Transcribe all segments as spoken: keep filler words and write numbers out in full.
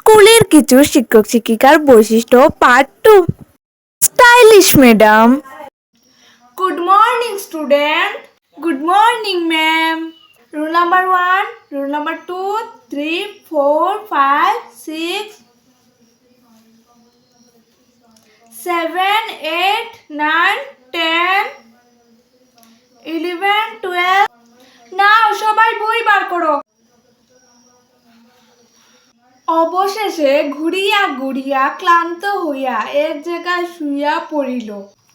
স্কুলের কিছু শিক্ষক শিক্ষিকার বৈশিষ্ট্য part two. Stylish madam. Good morning student. Good morning ma'am. Rule number one, rule number two, three, four, five, six, seven, eight, nine, ten, eleven, twelve. Now সবাই বই বার করো। অবশেষে ঘুরিয়া ঘুরিয়া ক্লান্ত হইয়া এক জায়গায় শুইয়া পড়িল।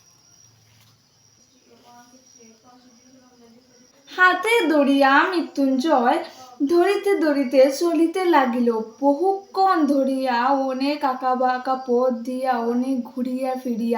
হাতে ধরিয়া মৃত্যুঞ্জয় ধরিতে ধরিতে চলিতে লাগিল। বহুক্ষণ ধরিয়া অনেক আঁকা বাঁকা পথ দিয়া অনেক ঘুরিয়া ফিরিয়া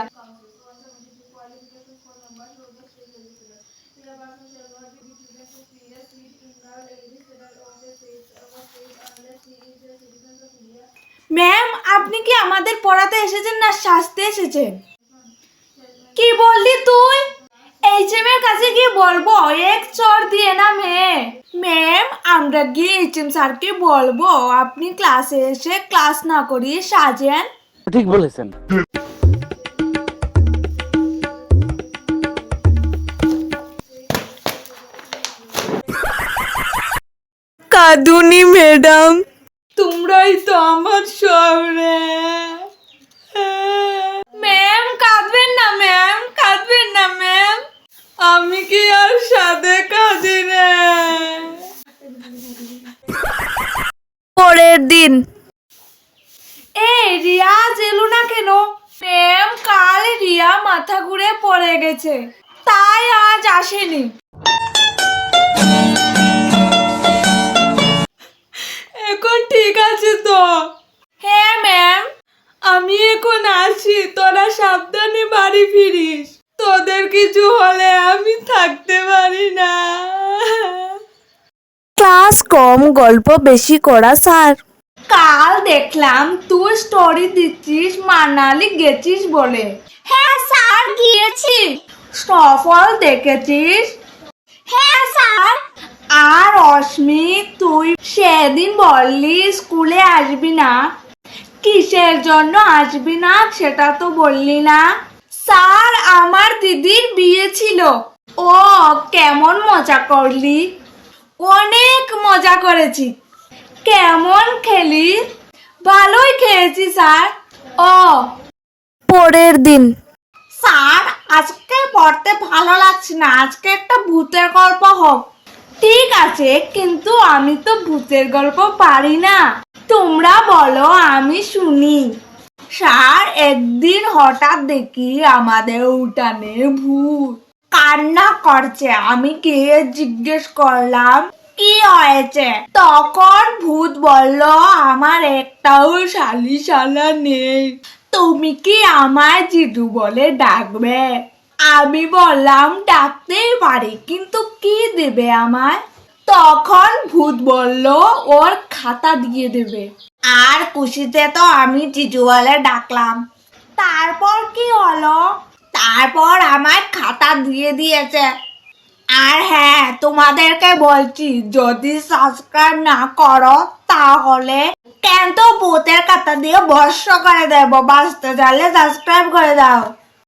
ম্যাম, আপনি কি আমাদের পড়াতে এসেছেন না সাজতে এসেছেন? কি বললি তুই? এইচ এম এর কাছে গিয়ে বলবো এক চর দিয়ে না মেয়ে। ম্যাম, আমরা গিয়ে এইচ এম স্যারকে বলবো আপনি ক্লাসে এসে ক্লাস না করিয়ে সাজেন। ঠিক বলেছেন। কাঁদুনি ম্যাডাম। তোমরাই তো আমার শহরে। ম্যাম কাঁদবেন না ম্যাম, কাঁদবেন না ম্যাম। আমি কি আর সাদে কাঁদি রে। পরের দিন। এই রিয়াজ এলো না কেন? ম্যাম, কাল রিয়া মাথা ঘুরে পড়ে গেছে, তাই আজ আসেনি। এখন ঠিক আছে তো? হ্যাঁ ম্যাম, আমি এখন আসি, তোরা সাবধানে বাড়ি ফিরিস। তোদের কিছু হলে আমি থাকতে পারি না। ক্লাস কম, গল্প বেশি করা স্যার। কাল দেখলাম তুই স্টোরি দিচ্ছিস মানালি গেছিস বলে। হ্যাঁ স্যার গিয়েছি। স্নোফল দেখেছিস? হ্যাঁ স্যার। আর অস্মি, তুই সেদিন বললি স্কুলে আসবি না, কিসের জন্য আসবি না সেটা তো বললি না। স্যার, আমার দিদির বিয়ে ছিল। ও, কেমন মজা করলি? অনেক মজা করেছি। কেমন খেলি? ভালোই খেয়েছি স্যার। ও, পরের দিন। স্যার, আজকে পড়তে ভালো লাগছে না, আজকে একটা ভূতের গল্প হোক। ঠিক আছে, কিন্তু আমি তো ভূতের গল্প পারি না, তোমরা বলো আমি শুনি। স্যার, একদিন হঠাৎ দেখি আমাদের উঠানে ভূত কান্না করছে। আমি গিয়ে জিজ্ঞেস করলাম কি হয়েছে। তখন ভূত বলল আমার একটাও শালি শালা নেই, তুমি কি আমায় জিদু বলে ডাকবে? আমি বললাম ডাকতেই পারি, কিন্তু কি দেবে আমায়? তখন ভূত বলল ওর খাতা দিয়ে দেবে। আর খুশিতে তো আমি জিজু বলে ডাকলাম। তারপর কি হলো? তারপর আমার খাতা দিয়ে দিয়েছে। আর হ্যাঁ, তোমাদেরকে বলছি যদি সাবস্ক্রাইব না করো তাহলে কেন তো ভূতের খাতা দিয়ে বর্ষ করে দেবো। বাঁচতে চাইলে সাবস্ক্রাইব করে দাও।